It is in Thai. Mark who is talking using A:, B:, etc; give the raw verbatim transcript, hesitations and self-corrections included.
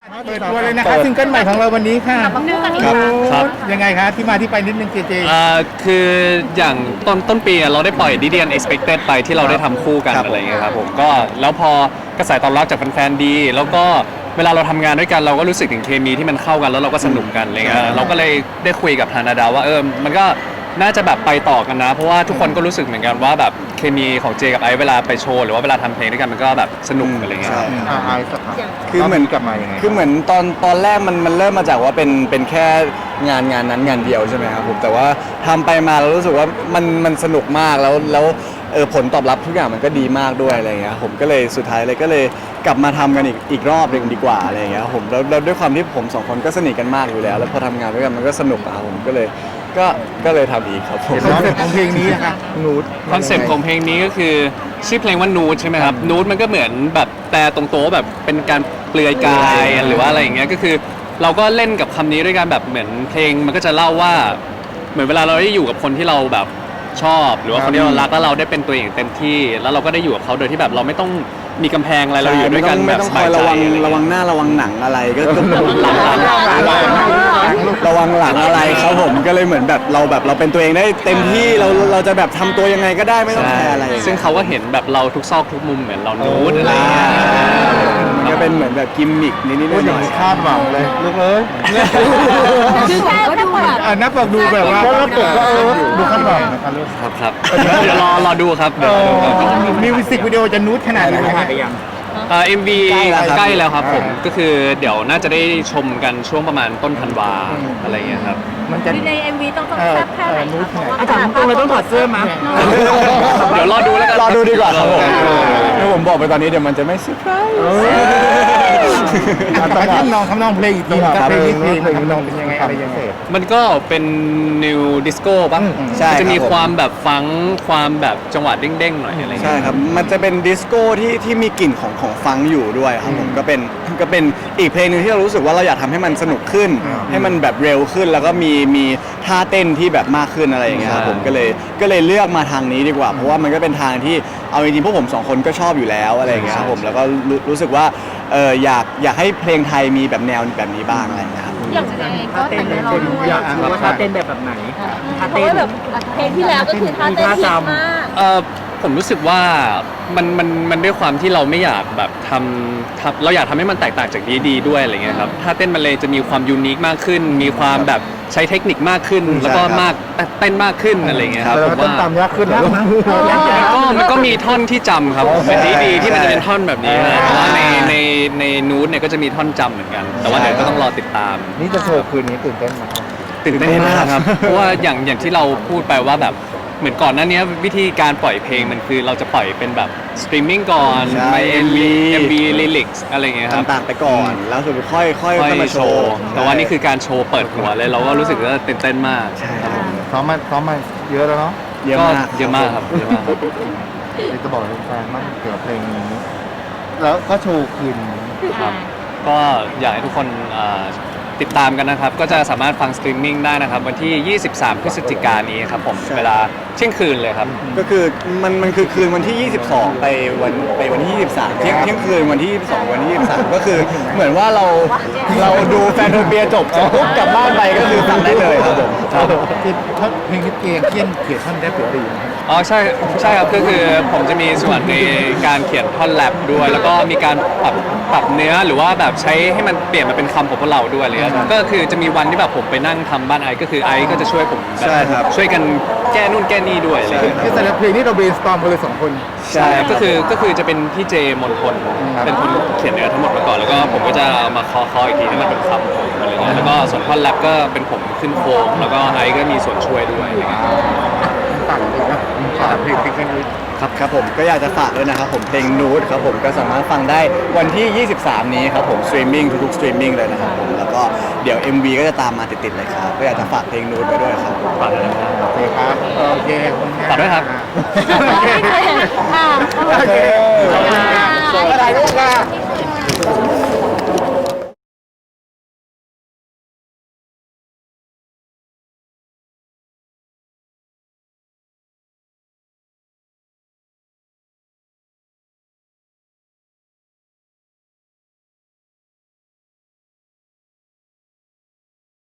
A: เปิดตัวเลยนะครับซิงเกิลใหม่ของเราวันนี้ค่ะ
B: มาคู่กันอีก
C: ครับ
B: ครั้ง
C: ครับ
A: ยังไงคะที่มาที่ไปนิดนึงเจเจ
C: อ่าคืออย่างต้นต้นปีอะเราได้ปล่อย ดี ดี Unexpected ไปที่เราได้ทำคู่กัน
D: ครับ
C: อะไรอย่างเงี้ยครับผมก็แล้วพอกระแสตอบรับจากแฟนๆดี แล้วก็เวลาเราทำงานด้วยกันเราก็รู้สึกถึงเคมีที่มันเข้ากันแล้วเราก็สนุกกันอะไรเงี้ยเราก็เลยได้คุยกับทางนาดาวว่าเออมันก็น่าจะแบบไปต่อกันนะ เพราะว่าทุกคนก็รู้สึกเหมือนกันว่าแบบเคมีของเจกับไอซ์เวลาไปโชว์หรือว่าเวลาทำเพลงด้วยกันมันก็แบบสนุกอะไรเงี้ยครับ
A: อ่าไอซ์สัก
D: คือเหมือน
A: กลับมายังไง
D: คือเหมือนตอนตอนแรกมันมันเริ่มมาจากว่าเป็นเป็นแค่งานงานนั้นงานเดียวใช่ไหมครับผมแต่ว่าทำไปมาเรารู้สึกว่ามันมันสนุกมากแล้วแล้วเออผลตอบรับทุกอย่างมันก็ดีมากด้วยอะไรเงี้ยผมก็เลยสุดท้ายเลยก็เลยกลับมาทำกันอีกอีกรอบหนึ่งดีกว่าอะไรเงี้ยผมแล้วแล้วด้วยความที่ผมสองคนก็สนิทกันมากอยู่แล้ว แล้วพอทำงานด้วยกันมันก็สนุกอะครับผมก็เลยก็ก็เลยทำอีกครับผม
A: คอนเซ็ปต์ของเพลงนี้นะคะนูด
C: คอนเซปต์ของเพลงนี้ก็คือชื่อเพลงว่านูดใช่ไหมครับนูดมันก็เหมือนแบบแต่ตรงโต๊ะแบบเป็นการเปลือยกายหรือว่าอะไรอย่างเงี้ยก็คือเราก็เล่นกับคำนี้ด้วยกันแบบเหมือนเพลงมันก็จะเล่าว่าเหมือนเวลาเราได้อยู่กับคนที่เราแบบชอบ หรือว่าคนที่เรารักแล้วเราได้เป็นตัวเองเต็มที่ แล้วเราก็ได้อยู่กับเขาโดยที่แบบเราไม่ต้องมีกำแพงอะไรเราอยู่ด้วยกันแบบ
D: ไม่ต้อง
C: ส
D: ค
C: บา
D: อย ย
C: ใจ
D: ระวัง
C: อะไร
D: ระวัง
C: เงี้ย
D: หน้าระวังหนังอะไรก็ก็
C: หลังหลัง
D: ระวังหลังอะไรครับผมก็เลยเหมือนแบบเราแบบเราเป็นตัวเองได้เต็มที่เราเราจะแบบทำตัวยังไงก็ได้ไม่ต้องแคร์อะไร
C: ซึ่งเขาก็เห็นแบบเราทุกซอกทุกมุมเหมือนเรานูดอะไรเงี้ย
D: มันก็เป็นเหมือนแบบกิมมิกนิดๆห
A: พูดอ
D: น่
A: ย่าง
D: อย
A: นี้คาดหวังเลยลูกเอ้ย
B: คือแค่ก็ดูแบบ
A: อ่านับบอกดูแบบว่าแล้วปกก็เออดูคาดหวังนะคะลูก
C: ครับครับเดี๋ยวรอรอดูครับเดี๋ยวรอดูครับ
A: มิวสิกวิดีโอจะนูดขนาดไหนคะ
C: เอ่อ เอ็ม วี ใกล้แล้วครับผมก็คือเดี๋ยวน่าจะได้ชมกันช่วงประมาณต้นธันวาอะไรเงี้ยครับ
A: มันจะ
B: ใน เอ็ม วี ต้องต้องแซ่บแค่ไหน
A: นูด
B: คะ
A: ขนาด
B: อาจารย์ตรงเลยต้องถอดเสื้อมั้ย
C: เดี๋ยวรอดูแล้วกัน
D: รอดูดีกว่าครับผมถ้าผมบอกไปตอนนี้เดี๋ยวมันจะไม่เซอร์ไพรส์
A: ตอนที่น้องทำนองเพลงอีกทีครับเพลงนี้เพลงทำนองเป็นยังไงอะไรยังไง
C: มันก็เป็นนิวดิสโก้ป่ะ
D: ใช่
C: มันจะมี
D: ครับผม
C: ความแบบฟังก์ความแบบจังหวะเด้งๆหน่อยอะไร
D: ใช่
C: เงี้ย
D: ครับ มันจะเป็นดิสโก้ที่ที่มีกลิ่นของของฟังก์อยู่ด้วยครับผมก็เป็นก็เป็นอีกเพลงหนึงที่เรารู้สึกว่าเราอยากทำให้มันสนุกขึ้น ให้มันแบบเร็วขึ้น แล้วก็มีมีท่าเต้นที่แบบมากขึ้นอะไรอย่างเงี้ยครับผมก็เลยก็เลยเลือกมาทางนี้ดีกว่า เพราะว่ามันก็เป็นทางที่เอาจริงๆพวกผมสองคนก็ชอบอยู่แล้วอะไรอย่างเงี้ยครับผมแล้วก็รู้รู้สึกว่าเอออยากอยากให้เพลงไทยมีแบบแนวแบบนี้บ้างอะไรอย่างเงี้ยครับ
B: อย่างเจเองก็แต่งให้เราด้วย
A: อยาก
E: ว่าท่าเต้นแบบแบบไหน
B: เพราะว่าแบบเพลงที่แล้วก็คือท่าเต้นฮิตมาก
C: เออผมรู้สึกว่ามันมันมันด้วยความที่เราไม่อยากแบบทำทำเราอยากทำให้มันแตกต่างจากดีดีด้วยอะไรเงี้ยครับถ้าเต้นมันเลยจะมีความยูนิคมากขึ้น มีความแบบใช้เทคนิคมากขึ้น แล้วก็มากเต้นมากขึ้นอะไรเงี้ยครับ
A: แต่
C: ผม
A: ต้น
C: ว่า
A: ตามยากขึ้นนะ
C: ก็มันก็มีท่อนที่จำครับเป็นดีดีที่มันจะเป็นท่อนแบบนี้นะแต่ว่าในในในนูตเนี่ยก็จะมีท่อนจำเหมือนกัน แต่ว่าเดี๋ยวก็ต้องรอติดตาม
A: นี่จะโชว์คืนนี้ตื่นเต้นไหม
C: ตื่นเต้นมากครับ เพราะว่าอย่างอย่างที่เราพูดไปว่าแบบเหมือนก่อนหน้านี้วิธีการปล่อยเพลงมันคือเราจะปล่อยเป็นแบบสตรีมมิ่งก่อน
D: ใช่
C: ไป เอ็ม วี
D: เอ็
C: เอ็
D: ม
C: ม
D: วี
C: วีลิลิกอะไรเงี้ยครับ
D: ต่างๆไปก่อน แล้วสุดท้ายค่อยค่อย
C: ค่อย
D: ค่อยมา
C: โช
D: โช
C: ว์
D: ว์
C: แต่ว่านี่คือการโชว์เปิดหัวเลย เราก็รู้สึกว่าตื่นเต้นมาก
D: ใช่
C: ครับผม
A: ซ้อมมาซ้อมมาเยอะแล้วเนาะ
D: เยอะ
C: ก็
D: มาก
C: เยอะมากครับเยอะมาก
A: จะบอกแฟนๆมากเกี่ยวกับเพลงนี้ แล้วก็โชว์คืนนี้
C: ครับก็อยากให้ทุกคนเอ่อติดตามกันนะครับ ก็จะสามารถฟังสตรีมมิ่งได้นะครับ วันที่ ยี่สิบสาม พฤศจิกายนนี้ครับผม เวลาเที่ยงคืนเลยครับ
D: ก็คือมันมันคือคืนวันที่ ยี่สิบสอง ไปวันไปวันที่ ยี่สิบสาม เที่ยงเที่ยงคืนวันที่ ยี่สิบสอง วันที่ ยี่สิบสาม ก็คือเหมือนว่าเราเราดูแฟนโทเปียจบเสร็จปุ๊บกลับบ้านไปก็คือฟังได้เลยครับผม
A: คือท่อนเพลงที่เกียงเขียนเขียนท่อนได้เปรียบดีนะ
C: อ๋อใช่ใช่ครับก็คือผมจะมีส่วนในการเขียนท่อนแรปด้วย แล้วก็มีการปรับปรับเนื้อหรือว่าแบบใช้ให้มันเปลี่ยนมาเป็นคำของพวกเราด้วยอะไรเลยก็คือจะมีวันที่แบบผมไปนั่งทำบ้านไอซ์ก็คือไอซ์ก็จะช่วยผมแบบ
D: ใช่ครับ
C: ช่วยกันแก้นู่นแก้นี่ด้วยอะไรเลย
A: คือแต่ละเพลงนี่เราเบรนสตอมกันเลยสองคน
D: ใช่
C: ก็คือก็คือจะเป็นพี่เจมนพลเป็นคนเขียนเนื้อทั้งหมดมาก่อนแล้วก็ผมก็จะเอามาเคอคออีกทีให้มันเป็นคำผมอะไรเงี้ยแล้วก็ส่วนท่อนแรปก็เป็นผมขึ้นโครงแล้วก็ไอซ์ก็มีส่วนช่วยด้วยอะไรเงี้ย
A: ต่างเลยนะต่างเพลงเพลงนี้
D: ครับครับผมก็อยากจะฝากด้วยนะครับผมเพลงนูดครับผมก็สามารถฟังได้วันที่ ยี่สิบสาม นี้ครับผมสตรีมมิ่งทุกๆสตรีมมิ่งเลยนะครับผมแล้วก็เดี๋ยว เอ็ม วี ก็จะตามมาติดๆเลยครับก็อยากจะฝากเพลงนูดไปด้วยครับ
C: ฝากด้วยนะครับ
A: โอเคครับ โอเค
C: ฝากด้วยครับ
A: โอเค
B: ค่ะ
A: โอเคอะไรลูกอ่ะ